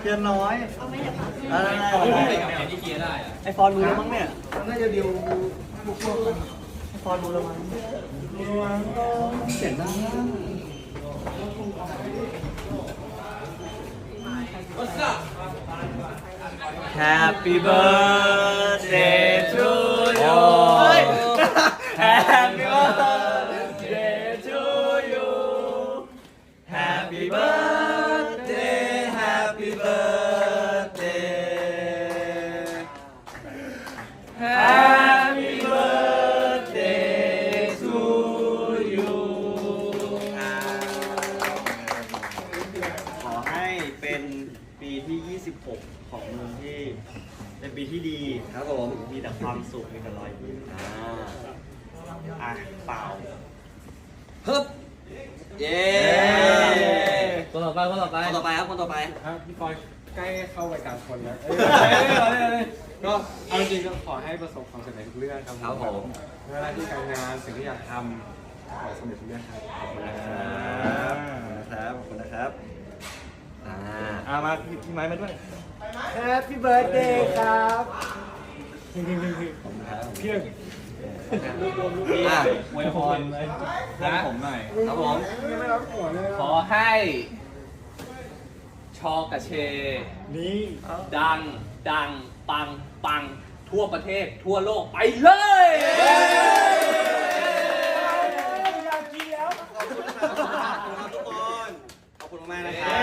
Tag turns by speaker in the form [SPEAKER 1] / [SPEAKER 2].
[SPEAKER 1] ทียนน้อย
[SPEAKER 2] เอาไหมเดี๋ยวพัก
[SPEAKER 1] อะไร
[SPEAKER 3] ไปกับแอนนี่เกียร์ได้อะ
[SPEAKER 1] ไอฟอนรู้แล้วมั้งเนี่ย
[SPEAKER 4] น่าจะดิวบุกพวกกัน
[SPEAKER 1] ไอฟอนรู้แล้วมั้งเสียงดัง
[SPEAKER 3] What's up
[SPEAKER 1] Happy birthday to you Happy birthday to you Happy birthday Happy birthday Happy birthday to you ขอให้เป็นปีที่ 26 ของมึงที่เป็นปีที่ดีครับผมมีแต่ความสุขมีแต่รอยยิ้มเปล่าฮึบเย้คนต่อไปครับคนต่อไป
[SPEAKER 4] ครับพี่ปอยใกล้เข้ารายการคนแล้วก็เอาจริงก็ขอให้ประสบความสำเร็จทุกเรื่องครับผมเวลาที่การงานสิ่งที่อยากทำขอสำเร็จทุกเรื่องครับขอบคุณนะครับ
[SPEAKER 1] ขอบคุณนะครับมาพี่ไม้มาด้วย
[SPEAKER 4] Happy birthday ครับเพียง
[SPEAKER 3] อวยพรให้ผมหน่อย
[SPEAKER 1] ครับผม
[SPEAKER 4] ไม่รับหัวเลย
[SPEAKER 3] ขอให้ชอกับเช
[SPEAKER 4] นี่
[SPEAKER 3] ดังปังทั่วประเทศทั่วโลกไปเลย